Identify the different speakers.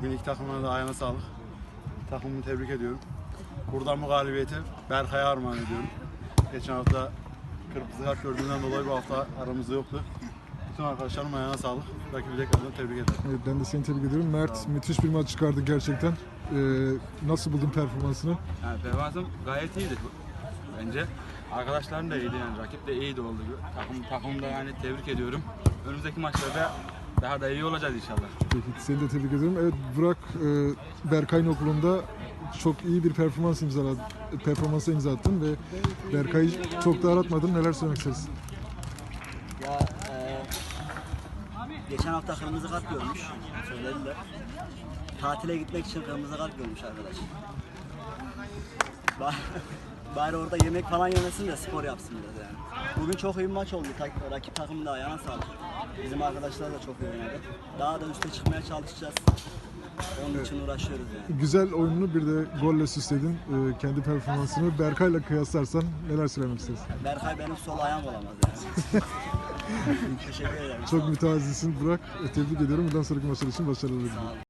Speaker 1: Bugün iki takımına da ayağına sağlık. Takımımı tebrik ediyorum. Buradan bu galibiyeti Berkay'a armağan ediyorum. Geçen hafta kırmızı kart gördüğünden dolayı bu hafta aramızda yoktu. Bütün arkadaşlarım ayağına sağlık. Rakibi tekrardan tebrik ederim.
Speaker 2: Evet, ben de seni tebrik ediyorum. Mert müthiş bir maç çıkardı gerçekten. Nasıl buldun performansını?
Speaker 3: Yani performansım gayet iyiydi bence. Arkadaşlarım da iyiydi yani rakip de iyiydi oldu. Takımda yani tebrik ediyorum. Önümüzdeki maçlarda daha da iyi olacağız inşallah.
Speaker 2: Peki, seni de tebrik ediyorum. Evet, Burak Berkay'ın okulunda çok iyi bir performansa imza attın ve Berkay'ı çok da aratmadın. Neler söylemek istersin?
Speaker 4: Ya geçen hafta kırmızı kart görmüş, söylediler. Tatile gitmek için kırmızı kart görmüş arkadaş. Bari orada yemek falan yemesin de spor yapsın biraz yani. Bugün çok iyi bir maç oldu. Rakip takımın da ayağına sağlık. Bizim arkadaşlar da çok iyi oynadı. Daha da üste çıkmaya çalışacağız. Onun için uğraşıyoruz yani.
Speaker 2: Güzel oyununu bir de golle süsledin. Kendi performansını Berkay'la kıyaslarsan neler söylemek istersin?
Speaker 4: Berkay benim sol ayağım olamaz yani. Teşekkür ederim.
Speaker 2: Çok mütevazisin Burak. Tebrik ediyorum. Bundan sonraki maçlar için başarılar diliyorum.